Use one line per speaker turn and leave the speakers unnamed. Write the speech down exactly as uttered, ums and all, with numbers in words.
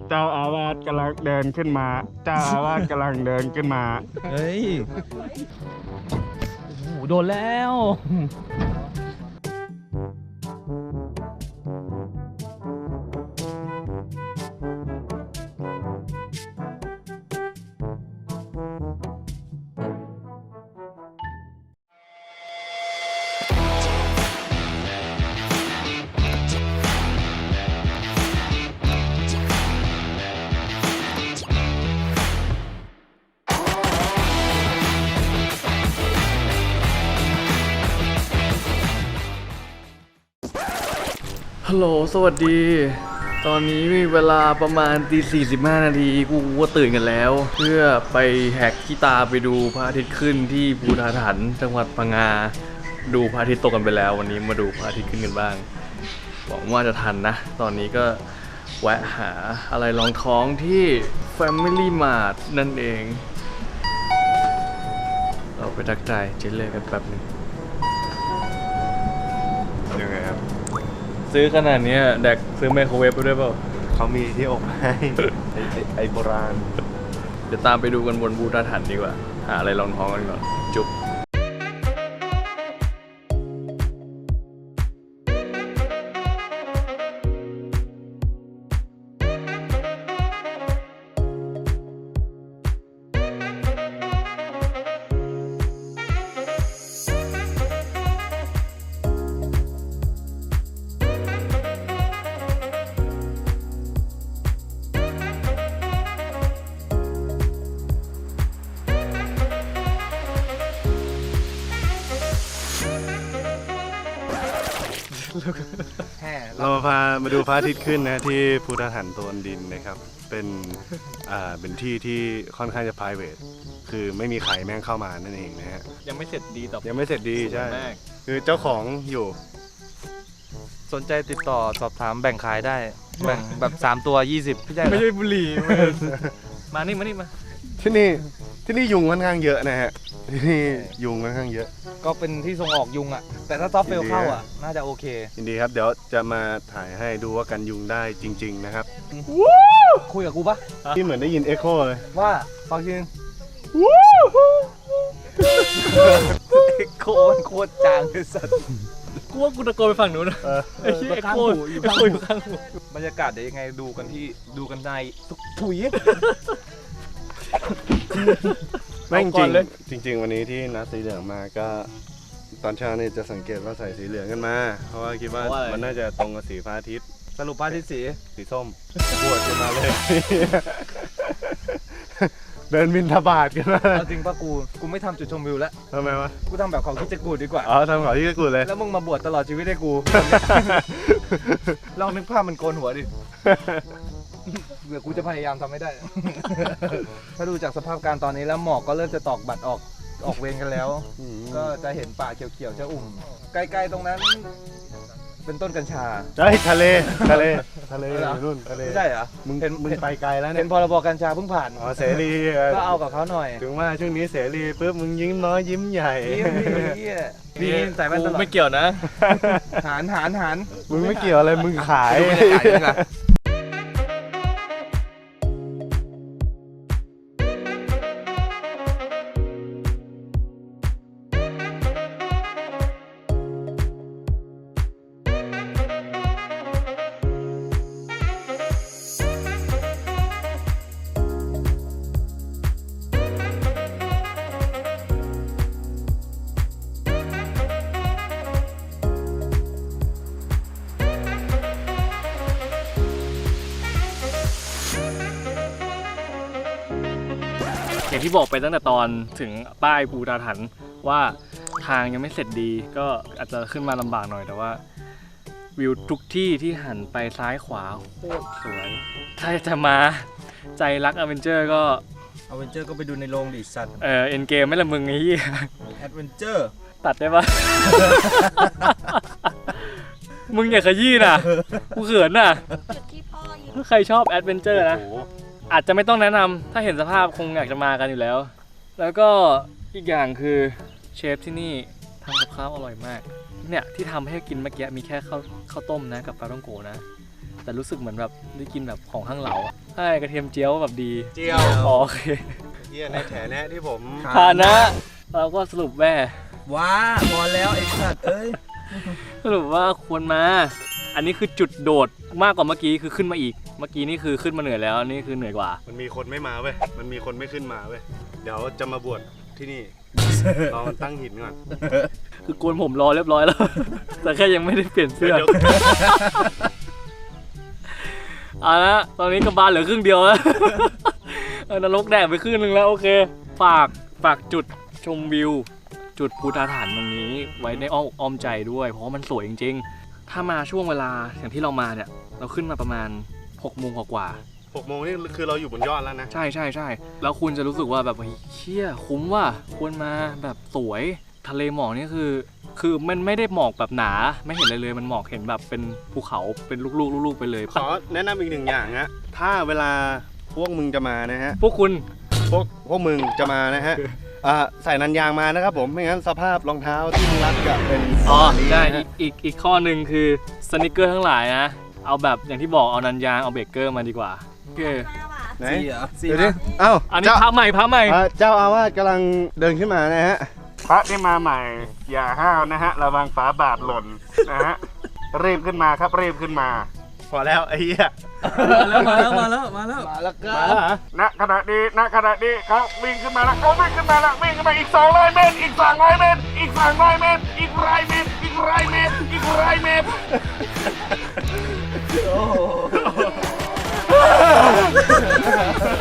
เจ้าอาวาสกำลังเดินขึ้นมาเจ้าอาวาสกำลังเดินขึ้นมา
เฮ้ยโอ้โหโดนแล้วฮัลโหลสวัสดีตอนนี้มีเวลาประมาณตีสี่สิบห้านาทีกูก็ตื่นกันแล้วเพื่อไปแหกขี้ตาไปดูพระอาทิตย์ขึ้นที่ภูฐานหันจังหวัดพังงาดูพระอาทิตย์ตกกันไปแล้ววันนี้มาดูพระอาทิตย์ขึ้นกันบ้างหวังว่าจะทันนะตอนนี้ก็แวะหาอะไรรองท้องที่ Family Mart นั่นเองเราไปทักทายเจเล่กันแป๊บนึงยังไงครับซื้อขนาดนี้แดกซื้อไมโครเวฟไปด้วยเปล่า
เขามีที่อบให้ ไอไอไอโบราณ
เดี๋ยวตามไปดูกันบนภูฐานหันดีกว่าหาอะไรรองท้องกันก่อนจุ๊บ
เรามาพามาดูพระอาทิตย์ขึ้นนะที่ภูฐานหันโตนดินนะครับเป็นอ่าเป็นที่ที่ค่อนข้างจะ private คือไม่มีใครแม่งเข้ามานั่นเองนะฮะ
ยังไม่เสร็จดีต่อ
ยังไม่เสร็จดีใช่คือเจ้าของอยู่
สนใจติดต่อสอบถามแบ่งขายได้แบ่งแบบสามตัวยี่สิบ
ไม่ใช่บุหรี่มานี่มานี่มา
ที่นี่ที่นี่ยุงค่อนข้างเยอะนะฮะที่นี่ยุงค่อนข้างเยอะ
ก็เป็นที่ส่งออกยุงอ่ะแต่ถ้าซอฟต์เฟลเข้าอ่ะน่าจะโอเค
ยินดีครับเดี๋ยวจะมาถ่ายให้ดูว่ากันยุงได้จริงๆนะครับ
คุยกับกูปะ
ที่เหมือนได้ยินเอ็กโคเลย
ว่าฟังจริงเอ็กโคมันโคตรจางเลยสัส
กูว่ากูตะโกนไปฝั่งนู้นนะไอ้ที่เอ็กโคอยู่ข้างหู
บรรยากาศเดี๋ยวยังไงดูกันที่ดูกันในถุย
ไม่จริงจริงๆวันนี้ที่นัดสีเหลืองมาก็ตอนเช้านี่จะสังเกตว่าใส่สีเหลืองกันมาเพราะว่าคิดว่ามันน่าจะตรงกับสีพระอาทิตย์
สรุปพระอาทิตย์สี
สีส้มบวชกันมาเลยเดินบินทบาทกันมา
จริงป่ะกูกูไม่ทำจุดชมวิวแล้ว
ทำไมวะ
กูทำแบบเขาคิดจะกูดีกว่า
อ๋อทำเขาที่จะกูเลย
แล้วมึงมาบวชตลอดชีวิตให้กูลองนึกภาพมันโกนหัวดิเดี๋ยวกูจะพยายามทำให้ได้ถ้าดูจากสภาพการตอนนี้แล้วหมอกก็เริ่มจะตอกบัตรออกออกเวรกันแล้วก็จะเห็นป่าเขียวๆจะอุ่มใกล้ๆตรงนั้นเป็นต้นกัญชา
ใช่ทะเลทะเลทะเลนู่นทะเล
ไม่ใช่เหรอ
มึงมึงไปไกลแล้วเนี่ย
เป็นพรบกัญชาเพิ่งผ่าน
อ๋อเสรี
ก็เอากับเขาหน่อย
ถึงว่าช่วงนี้เสรีปุ๊บมึงยิ้มน้อยยิ้มใหญ่
นี่ใส่แว่นตลอด
ไม่เกี่ยวนะ
หารหารหาร
มึงไม่เกี่ยวอะไรมึงขาย
อย่างที่บอกไปตั้งแต่ตอนถึงป้ายภูฐานหันว่าทางยังไม่เสร็จดีก็อาจจะขึ้นมาลำบากหน่อยแต่ว่าวิวทุกที่ที่หันไปซ้ายขวาโคตรสวยถ้าจะมาใจรักอเวนเจอร์ก็
อเวนเจอร์ก็ไปดูในโรงดิสัตว์
เออเอ็นเกมไม่ละมึงไอ้ยี่
แอดเวนเจอร์
ตัดได้ปะ มึงอย่าขยี้นะกูเขินน่ะถ้าใครชอบแอดเวนเจอร์นะอาจจะไม่ต้องแนะนำถ้าเห็นสภาพคงอยากจะมากันอยู่แล้วแล้วก็อีกอย่างคือเชฟที่นี่ทำกับข้าวอร่อยมากเนี่ยที่ทำให้กินเมื่อกี้มีแค่ข้าวข้าวต้มนะกับปลาท่องโกนะแต่รู้สึกเหมือนแบบได้กินแบบของข้างเหลาใช่กระเทียมเจียวแบบดี
เจียว
อ๋อโอเค
เยี่ยในแถแนะที่ผม
ฐานะเราก็สรุปแม่
ว้าพอแล้วไอ้สัตว์เอ้ย
สรุปว่าควรมา อันนี้คือจุดโดดมากกว่าเมื่อกี้คือขึ้นมาอีก เมื่อกี้นี่คือขึ้นมาเหนื่อยแล้วอันนี่คือเหนื่อยกว่า
มันมีคนไม่มาเว้ยมันมีคนไม่ขึ้นมาเว้ยเดี๋ยวจะมาบวชที่นี่ เราตั้งหินก่อน
คือโกนผมรอเรียบร้อยแล้ว แต่แค่ยังไม่ได้เปลี่ยนเสื้อ
เดี๋ยว
เอาละตอนนี้กระบาลเหลือครึ่งเดียวแล้ว เออนรกแดกไปครึ่งหนึงแล้วโอเค ฝากฝากจุดชมวิว จุดภูตาฐานตรงนี้ไว้ในอ้อมอ้อมใจด้วย เพราะว่ามันสวยจริงๆ ถ้ามาช่วงเวลาอย่างที่เรามาเนี่ย เราขึ้นมาประมาณหกโมงกว่า
หกโมงนี่คือเราอยู่บนยอดแล้วนะ
ๆใช่ใช่ใช่แล้วคุณจะรู้สึกว่าแบบเฮ้ยเชี่ยคุ้มว่ะควรมาแบบสวยทะเลหมอกนี่คือ คือมันไม่ได้หมอกแบบหนาไม่เห็นเลยเลยมันหมอกเห็นแบบเป็นภูเขาเป็นลูกๆลูกๆไปเลย
ขอแนะนำอีกหนึ่งอย่างฮะถ้าเวลาพวกมึงจะมานะฮะ
พวกคุณ
พวกพวกมึงจะมานะฮะอ่าใส่นันยางมานะครับผมไม่งั้นสภาพรองเท้าที่มึงรัดกับเป็น
อ๋อ
แบบนี้
ใช่
นะ
อี
ฮะ
กอีกอีกข้อหนึ่งคือสนิเกอร์ทั้งหลายนะ เอาแบบอย่างที่บอกเอานันยางเอาเบรกเกอร์มาดีกว่าโอเค
ไหน
สี่เหรอสี่
เดี๋ยวดิ
นะ
เอ้า
อันนี้
เจ้า
พระใหม่พระใหม่
อ่าเจ้าอาวาสกำลังเดินขึ้นมานะฮะ
พระที่มาใหม่ อย่าห้าวนะฮะ ระวังฝาบาทหล่นนะฮะ รีบขึ้นมาครับรีบขึ้นมา
พอแล้วไอ้เหี้ย
มาแล้วมาแล้วมาแล้วมาแล้วก็
มาแล้วเหรอ
ณขณะนี้ณขณะนี้เขาวิ่งขึ้นมาแล้วเขาวิ่งขึ้นมาแล้ววิ่งขึ้นมาอีกสองร้อยเมตรอีกสองร้อยเมตรอีกสองร้อยเมตรอีกร้อยเมตรอีกร้อยเมตรอีกร้อยเมตร
โอ้โห